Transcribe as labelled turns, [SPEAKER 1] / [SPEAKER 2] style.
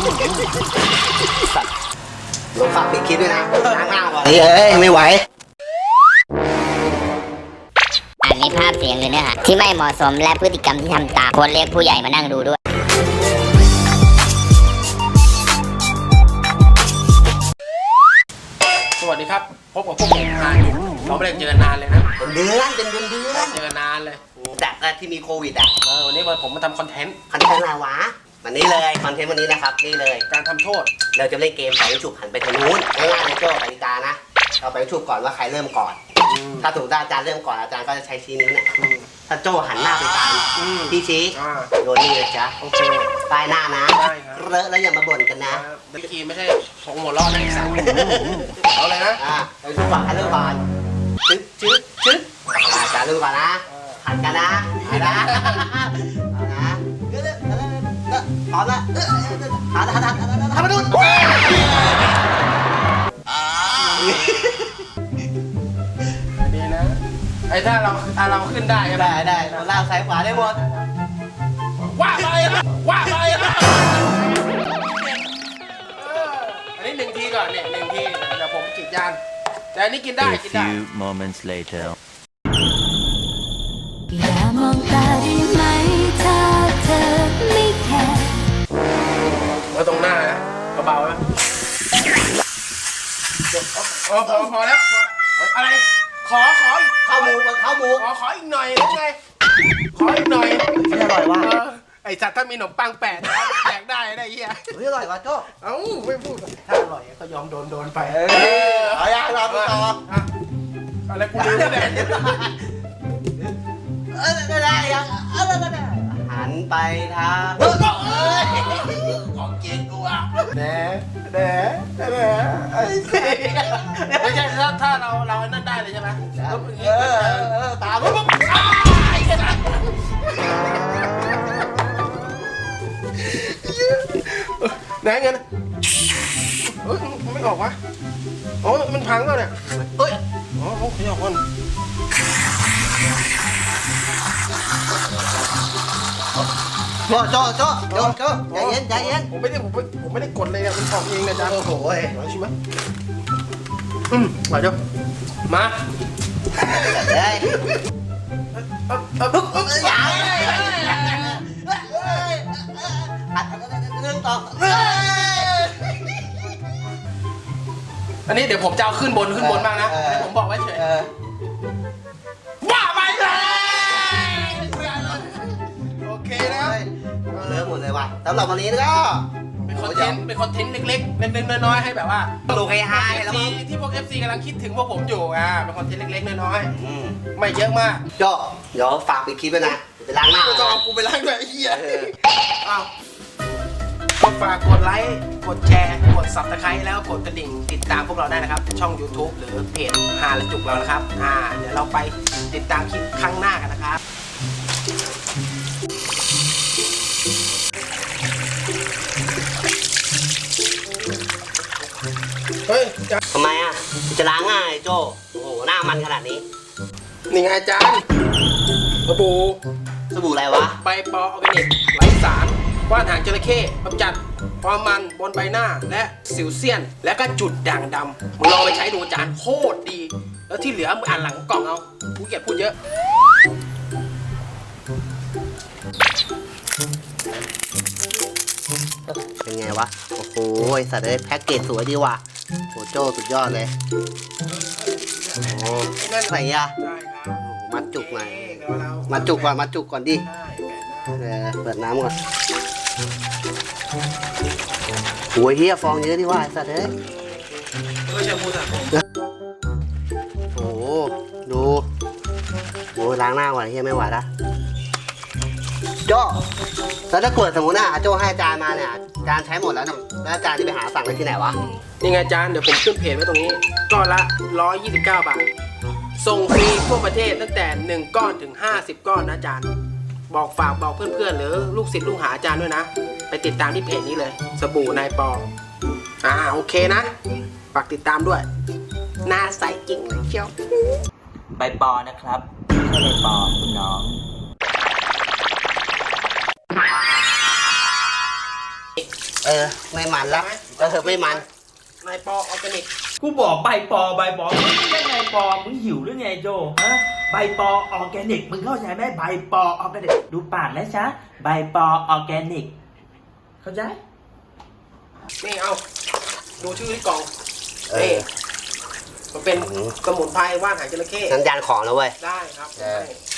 [SPEAKER 1] สัตว์ลงฝากปิดคลิปด้วยนะล้างหน้าก่อนเฮ้ยไม่ไหว
[SPEAKER 2] อันนี้ภาพเสียงหรือเนื้อหาที่ไม่เหมาะสมและพฤติกรรมที่ทำตามควรเรียกผู้ใหญ่มานั่งดูด้วย
[SPEAKER 3] สวัสดีครับพบกับพวกผมนานอยู่เราไม่ได้เจอนานเลยนะ
[SPEAKER 1] เป็นเดือน
[SPEAKER 3] เจอนานเลย
[SPEAKER 1] แต่ที่มีโควิดอ่ะ
[SPEAKER 3] วันนี้ผมมาทำคอนเทนต์
[SPEAKER 1] อะไรวะวันนี้เลยคอนเทนต์วันนี้นะครับนี่เลย
[SPEAKER 3] การทำโทษ
[SPEAKER 1] เราจะเล่นเกมไปฉุบหันไปทางนู้นง่ายๆเลยโจ้กติกานะเราไปฉุบก่อนว่าใครเริ่มก่อนถ้าถูกอาจารย์เริ่มก่อนอาจารย์ก็จะใช้ชี้นิ้วเนี่ยถ้าโจ้หันหน้าไปตามพี่ชี้โดนนี่เลยจ้ะ
[SPEAKER 3] โอเค
[SPEAKER 1] ป้ายหน้านะเลอะแล้วอย่ามาบ่นกันนะ
[SPEAKER 3] เมื่อกี้ไม่ใช่ของหัวล้อนะอีสัตว์เอาเลยนะ
[SPEAKER 1] ไปฉุบก่อนใครเริ่มก่อนชึ๊บอาจารย์เริ่มก่อนนะหันกันนะเอานะพร้อมแล้วทำมาดู
[SPEAKER 3] ดีนะไอ้ถ้าเราขึ้นได้ก็
[SPEAKER 1] ได้ล่างซ้ายขวาได้หมด
[SPEAKER 3] ว่าไปอันนี้1 ทีก่อนเนี่ย1 ทีเดี๋ยวผมจิตยานแต่อันนี้กินได้
[SPEAKER 4] A few moments later
[SPEAKER 5] อย่ามองตาได้ไหมถ้าเธอไม่แคร์
[SPEAKER 3] มาตรงหน้านะเบาๆนะพอแล้วอะไรขออีก
[SPEAKER 1] ข้าวหมู
[SPEAKER 3] ขออีกหน่อยได้ไงขออีกหน่อย
[SPEAKER 1] ไม่อร่อยว่ะ
[SPEAKER 3] ไอ้จัดถ้ามีขนมปังแปะแจกได้เฮีย
[SPEAKER 1] ไม่อร่อยว่ะโจ้
[SPEAKER 3] เอ้าไม่พูดถ้าอร่อยก็ยอมโดนไป
[SPEAKER 1] เอาอย่างเราไปต่อ
[SPEAKER 3] อะไรกูลืมเลย
[SPEAKER 1] ได้ยังหันไปทาง
[SPEAKER 3] ของเก่งกูอ่ะแหน่ไม่ใช่ถ้าเรานั่นได้เลยใช่ไหม
[SPEAKER 1] ตามปุ๊บ
[SPEAKER 3] ไหนเงินไม่ออกวะโอ้มันพังแล้วเนี่ยอ๋อขยับก่อน
[SPEAKER 1] โจ้ใจเย็น
[SPEAKER 3] ผมไม่ได้กดเลยเนี่ยมันออกเองนะจ๊ะ
[SPEAKER 1] โอ้โห
[SPEAKER 3] ใช่ไหมมาเดี๋ยวมาอันนี้เดี๋ยวผมจะเอาขึ้นบนบ้างนะผมบอกไว้เฉยว่าไปเลยโอเคนะ
[SPEAKER 1] เลิกหมดเลยว่ะสำหรับวันนี้ก็
[SPEAKER 3] เป็นคอนเทนต์เล็กๆน้อยๆให้แบบว่า
[SPEAKER 1] โลกไฮแล้ว
[SPEAKER 3] ที่พวก FC กำลังคิดถึงพวกผมอยู่เป็นคอนเทนต์เล็กๆน้อยๆไม่เยอะมาก
[SPEAKER 1] โจ้เดี๋ยวฝากปิดคลิปไว้นะไปล้างหน้า
[SPEAKER 3] ก็เอากูไปล้างด้วยไอ้เหี้ยก็ฝากกดไลค์กดแชร์กด Subscribe แล้วกดกระดิ่งติดตามพวกเราได้นะครับช่อง YouTube หรือเพจหาและจุกเรานะครับเดี๋ยวเราไปติดตามคลิปครั้งหน้ากันนะครับเฮ้ย
[SPEAKER 1] ทำไมจะล้างง่ายโจ้โอ้โหหน้ามันขนาดนี้
[SPEAKER 3] นี่ไงอาจารย์สบู่
[SPEAKER 1] อะไรวะ
[SPEAKER 3] ใบปอออร์แกนิกไร้สารว่านหางจระเข้กำจัดความมันบนใบหน้าและสิวเซียนและก็จุดด่างดำมึงลองไปใช้ดูอาจารย์โคตรดีแล้วที่เหลือมึงอ่านหลังกล่องเอาผู้เกียรพูดเยอะ
[SPEAKER 1] เป็นไงวะโอ้โหสัตว์ได้แพ็กเกจสวยดีว่ะโหโจ้สุดยอดเลยโอ้ใส่มัดจุกหน่อยมัดจุกก่อนดิเปิดน้ำก่อนโอ้ยเฮียฟองเยอะดิว่ะสัตว์เอ้ยโอ้โหดูโอ้ล้างหน้าก่อนเฮียไม่ไหวละโจ้แล้วถ้าเกิดสมมติโจ้ให้อาจารย์มาเนี่ยอาจารย์ใช้หมดแล้วแล้วอาจารย์ที่ไปหาสั่งได้ที่ไหนวะ
[SPEAKER 3] นี่ไงอาจารย์เดี๋ยวผมขึ้นเพจไว้ตรงนี้ก้อนละ129 บาทส่งฟรีทั่วประเทศตั้งแต่1ก้อนถึง50ก้อนนะอาจารย์บอกเพื่อนๆหรือลูกศิษย์ลูกหาอาจารย์ด้วยนะไปติดตามที่เพจนี้เลยสบู่นายปอโอเคนะฝากติดตามด้วยหน้าใสจริงเลยเชียว
[SPEAKER 4] ใบปอนะครับไม่ใช่ใบปอคุณน้อง
[SPEAKER 1] ไม่มันแล้วไม่มัน
[SPEAKER 3] นายปอออร์แกนิก
[SPEAKER 4] กูบอกใบปอมึงยังไงปอมึงหิวหรือไงโจฮะใบปอออร์แกนิกมึงเข้าใจไหมใบปอออร์แกนิกดูปากนะจ๊ะใบปอออร์แกนิกเข้าใจ
[SPEAKER 3] นี่เอาดูชื่อที่กล่องนี่มันเป็นสมุนไพรว่านหางจระเข้
[SPEAKER 1] สัญญาณของแล้วเว้ย
[SPEAKER 3] ได้ครับ
[SPEAKER 1] เออ
[SPEAKER 3] ใช่